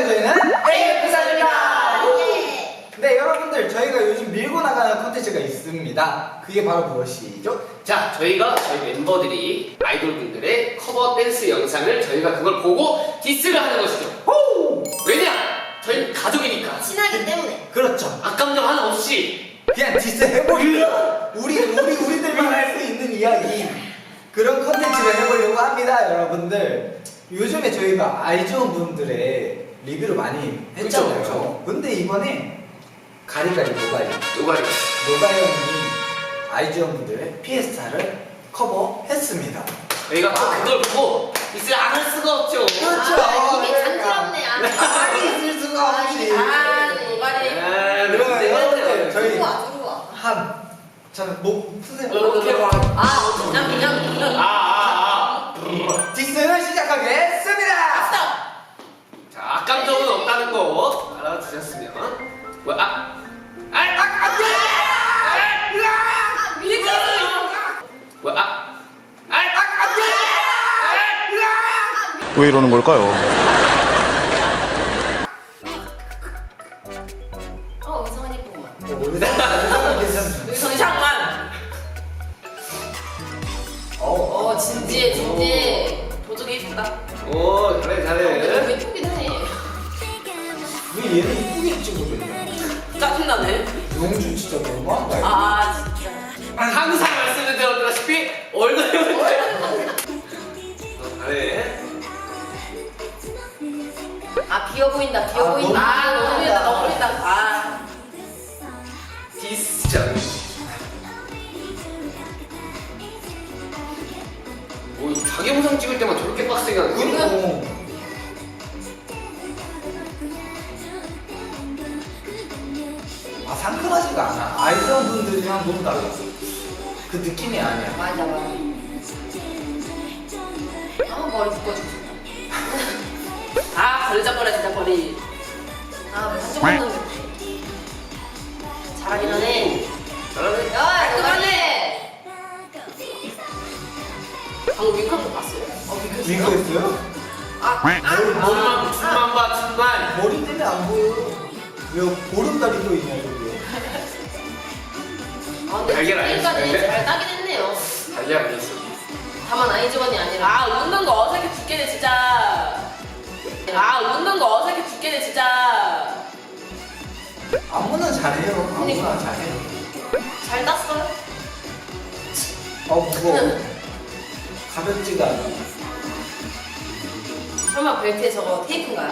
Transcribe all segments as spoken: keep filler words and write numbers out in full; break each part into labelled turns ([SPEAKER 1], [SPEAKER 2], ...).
[SPEAKER 1] 저희는 에이에프사입니다. 네, 여러분들 저희가 요즘 밀고 나가는 콘텐츠가 있습니다. 그게 바로 무엇이죠?
[SPEAKER 2] 자, 저희가 저희 멤버들이 아이돌분들의 커버 댄스 영상을 저희가 그걸 보고 디스를 하는 것이죠.
[SPEAKER 1] 호!
[SPEAKER 2] 왜냐? 저희는 가족이니까.
[SPEAKER 3] 친하기 때문에.
[SPEAKER 1] 그렇죠.
[SPEAKER 2] 악감정 하나 없이
[SPEAKER 1] 그냥 디스 해보려. 우리 우리 우리들만 할 수 있는 이야기 그런 콘텐츠를 해보려고 합니다, 여러분들. 요즘에 저희가 아이즈원 분들의 리뷰를 많이 했잖아요.
[SPEAKER 2] 그쵸, 그쵸.
[SPEAKER 1] 근데 이번에 가리가리 노가리
[SPEAKER 2] 노가리.
[SPEAKER 1] 노가연이 아이즈원 분들의 피에스타를 커버했습니다.
[SPEAKER 2] 저희가 또 그걸 보고 디스를 안 할 수가 없죠.
[SPEAKER 1] 그렇죠.
[SPEAKER 3] 아, 입이 잔스럽네. 아,
[SPEAKER 1] 말이 있을 수가 없지.
[SPEAKER 3] 아, 노가리.
[SPEAKER 2] 아,
[SPEAKER 1] 그러면 여러분들 저희
[SPEAKER 3] 들어와, 들어와.
[SPEAKER 1] 한 저는 목 푸세요.
[SPEAKER 2] 이렇게 봐.
[SPEAKER 3] 아, 그냥, 그냥, 그냥.
[SPEAKER 2] 아, 아, 아.
[SPEAKER 1] 디스를 시작하겠습니다.
[SPEAKER 3] 스톱!
[SPEAKER 2] 자, 악감정은 없다는 거 알아주셨으면. 뭐, 아, 아, 아, 안 돼!
[SPEAKER 3] 아, 밀리지!
[SPEAKER 2] 뭐, 아, 아, 아, 안 돼!
[SPEAKER 4] 왜 이러는 걸까요?
[SPEAKER 3] 어, 의성은 예쁘구만.
[SPEAKER 1] 어, 괜찮네.
[SPEAKER 3] 의성이 장만!
[SPEAKER 1] 어,
[SPEAKER 3] 어, 진지해, 진지해. 도둑이 이쁘다.
[SPEAKER 2] 오, 잘해,
[SPEAKER 3] 근데
[SPEAKER 2] 잘해.
[SPEAKER 3] 이쁘긴 해.
[SPEAKER 1] 왜 얘는 이쁘게 찍어줬냐?
[SPEAKER 3] 짜증나네.
[SPEAKER 1] 용주 진짜 너무한 거 아니야?
[SPEAKER 3] 아, 진짜.
[SPEAKER 2] 항상 말씀을 드렸다시피 얼굴이 어, 잘해.
[SPEAKER 3] 아, 귀여워 보인다, 귀여워
[SPEAKER 1] 아,
[SPEAKER 3] 보인다. 아,
[SPEAKER 1] 너무
[SPEAKER 3] 너무 보인다,
[SPEAKER 1] 귀엽다.
[SPEAKER 3] 너무 보인다. 아.
[SPEAKER 2] 디스전. 오, 자기 영상 찍을 때만 저렇게 빡세게 하는 거야?
[SPEAKER 1] 그리고 아 상큼하지가 않아. 아이즈원 분들이랑 너무 달라. 그 느낌이 아니야.
[SPEAKER 3] 맞아, 맞아. 아, 머리 묶어주고 싶다. 아, 걸리적거려, 진짜 머리. 아, 뭐 한쪽은 잘하긴 하네.
[SPEAKER 2] 잘하네.
[SPEAKER 3] 야, 그만해! 방금 윙크한 거 봤어요? 어, 윙크
[SPEAKER 1] 이거 했어요?
[SPEAKER 3] 아,
[SPEAKER 1] 머리
[SPEAKER 2] 춤만,
[SPEAKER 3] 아,
[SPEAKER 2] 춤만 봐, 춤만.
[SPEAKER 1] 머리 때문에 안 보여. 왜 보름달이 또 있냐 저기.
[SPEAKER 3] 아, 근데
[SPEAKER 2] 달걀 안
[SPEAKER 3] 지금까지
[SPEAKER 2] 했어요?
[SPEAKER 3] 잘 따긴 했네요.
[SPEAKER 2] 달리 안 했어.
[SPEAKER 3] 다만 아이즈원이 아니라. 아, 웃는 거 어색해 죽겠네, 진짜. 아, 웃는 거 어색해 죽겠네, 진짜.
[SPEAKER 1] 아무나 잘해요. 아무나
[SPEAKER 3] 그러니까.
[SPEAKER 1] 잘해.
[SPEAKER 3] 잘 땄어요?
[SPEAKER 1] 어 무거워. 가볍지가 않아.
[SPEAKER 3] 설마 벨트에 저거 테이프인가요?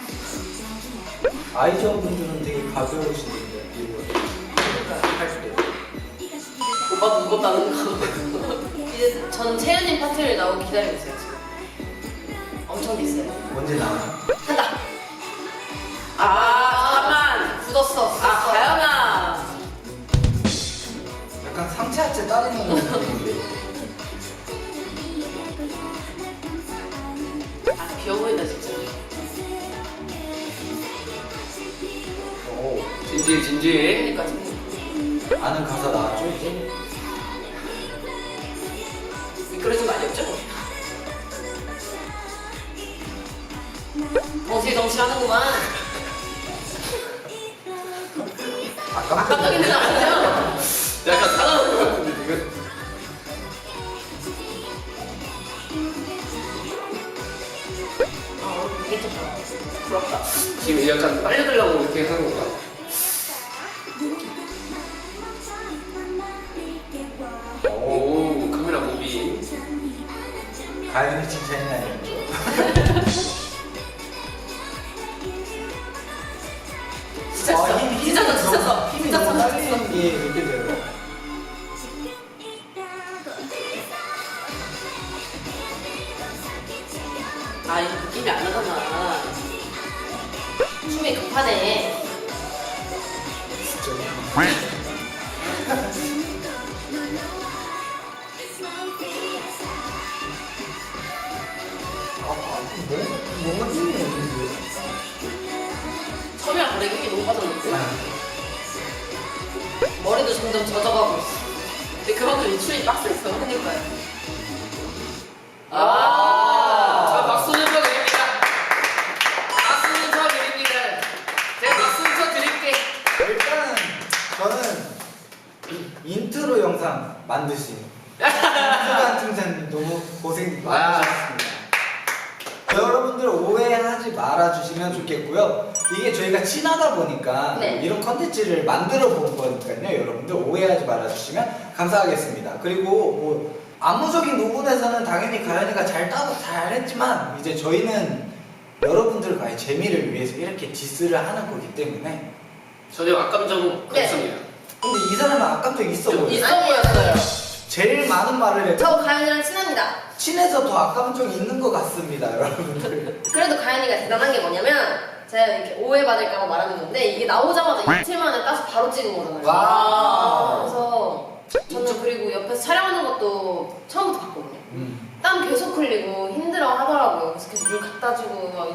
[SPEAKER 1] 아이즈원 분들은 되게 가벼우시는데 이거 할 때.
[SPEAKER 3] 오빠 무겁다는 거. 이제 전 채연님 파트를 나오고 기다리고 있어요, 지금. 엄청 비싸요.
[SPEAKER 1] 언제 나와?
[SPEAKER 3] 한다. 아, 잠깐만. 굳었어. 아, 가연아.
[SPEAKER 1] 약간 상체하체 따르는 느낌인데.
[SPEAKER 3] 아, 귀여워 보인다, 진짜.
[SPEAKER 1] 오.
[SPEAKER 2] 진지, 진지.
[SPEAKER 3] 그러니까 지금.
[SPEAKER 1] 아는 가사 나왔죠 이제?
[SPEAKER 3] 그러지 말렸죠? 덩실덩실하는구만. 아깝적인 데는 아니죠?
[SPEAKER 2] 약간 사나운 것 같은데, 지금.
[SPEAKER 3] 아, 이게 좀 부럽다.
[SPEAKER 2] 지금 약간 빨려들려고 이렇게 하는 건가? 오, 카메라 무비.
[SPEAKER 1] 가연이 칭찬이 아니었죠?
[SPEAKER 3] 지쳤어.
[SPEAKER 1] 아, 힘- 힘이
[SPEAKER 3] 지쳤어,
[SPEAKER 1] 너무-
[SPEAKER 3] 지쳤어.
[SPEAKER 1] 힘이
[SPEAKER 3] 지쳤어,
[SPEAKER 1] 너무
[SPEAKER 3] 지쳤어.
[SPEAKER 1] 딸리는 게 이렇게 돼요.
[SPEAKER 3] 아, 이거 느낌이 안 나잖아. 춤이 급하네.
[SPEAKER 1] 아, 뭐, 뭔가 힘이 없는데.
[SPEAKER 3] 처음이랑 다르게 힘이 너무 빠졌는데.
[SPEAKER 1] 아,
[SPEAKER 3] 머리도 점점 젖어가고 있어. 근데 그만큼 이 춤이 빡셌어. 그러니까요. 아.
[SPEAKER 2] 자, 박수 좀 쳐드립니다. 박수 좀 쳐드립니다.
[SPEAKER 1] 만드신 수고한 팀장님 너무 고생 많으셨습니다. 여러분들 오해하지 말아주시면 좋겠고요. 이게 저희가 친하다 보니까
[SPEAKER 3] 네.
[SPEAKER 1] 이런 컨텐츠를 만들어 본 거니까요. 여러분들 오해하지 말아주시면 감사하겠습니다. 그리고 뭐 안무적인 부분에서는 당연히 가연이가 잘 따고 잘했지만 이제 저희는 여러분들과의 재미를 위해서 이렇게 디스를 하는 거기 때문에.
[SPEAKER 2] 전혀 악감정
[SPEAKER 3] 네.
[SPEAKER 2] 없습니다.
[SPEAKER 1] 근데 이 사람은 악감정 있어
[SPEAKER 2] 좀
[SPEAKER 1] 보여요.
[SPEAKER 3] 있어 보였어요.
[SPEAKER 1] 제일 많은 말을 해도
[SPEAKER 3] 저 가연이랑 친합니다.
[SPEAKER 1] 친해서 더 악감정이 있는 것 같습니다, 여러분들.
[SPEAKER 3] 그래도 가연이가 대단한 게 뭐냐면 제가 이렇게 오해받을까봐 말하는 건데 이게 나오자마자 이틀 만에 따서 바로 찍은 거잖아요.
[SPEAKER 1] 와.
[SPEAKER 3] 그래서 저는 그리고 옆에서 촬영하는 것도 처음부터 봤거든요.
[SPEAKER 1] 음.
[SPEAKER 3] 땀 계속 흘리고 힘들어 하더라고요. 그래서 계속 물 갖다 주고 막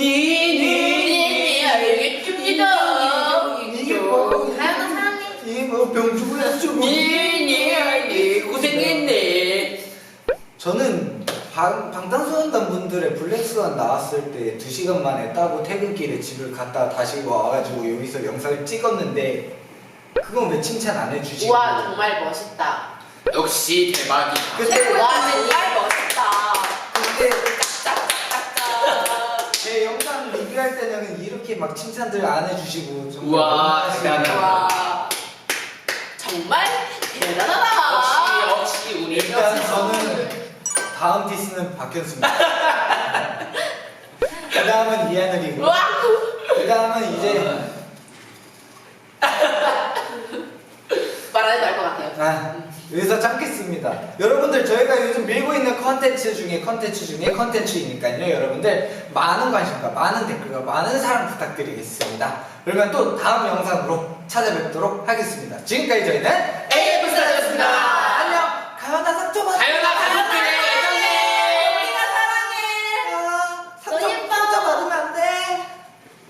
[SPEAKER 2] 니니
[SPEAKER 3] 알겠습니다.
[SPEAKER 1] 이게 뭐
[SPEAKER 3] 가연아 사랑해.
[SPEAKER 1] 이게 뭐 병주부야 주고.
[SPEAKER 2] 니니 고생했네.
[SPEAKER 1] 저는 방, 방탄소년단 분들의 블랙스완 나왔을 때 두 시간 만에 따고 퇴근길에 집을 갔다 다시 와가지고 여기서 영상을 찍었는데 그건 왜 칭찬 안 해주시고.
[SPEAKER 3] 우와 정말 멋있다.
[SPEAKER 2] 역시 대박이다.
[SPEAKER 1] 그때
[SPEAKER 3] 와 정말 멋있다.
[SPEAKER 1] 그때
[SPEAKER 3] 짝짝짝짝.
[SPEAKER 1] 제 영상 리뷰할 때는 이렇게 막 칭찬들 안 해주시고 정말
[SPEAKER 2] 우와,
[SPEAKER 1] 너무
[SPEAKER 2] 대단하다.
[SPEAKER 3] 와 정말 대단하다.
[SPEAKER 2] 역시 역시 우리
[SPEAKER 1] 일단 저는 다음 디스는 박현수입니다. 그 다음은 이하늘이고
[SPEAKER 3] 와.
[SPEAKER 1] 그 다음은 이제
[SPEAKER 3] 말하지 말 것 같아요.
[SPEAKER 1] 아, 여기서 참겠습니다. 여러분들 저희가 요즘 밀고 있는 컨텐츠 중에 컨텐츠 중에 컨텐츠이니까요. 여러분들 많은 관심과 많은 댓글과 많은 사랑 부탁드리겠습니다. 그러면 또 다음 영상으로 찾아뵙도록 하겠습니다. 지금까지 저희는
[SPEAKER 3] 에이에프스라였습니다.
[SPEAKER 1] 안녕. 가연아 상처받아.
[SPEAKER 2] 가연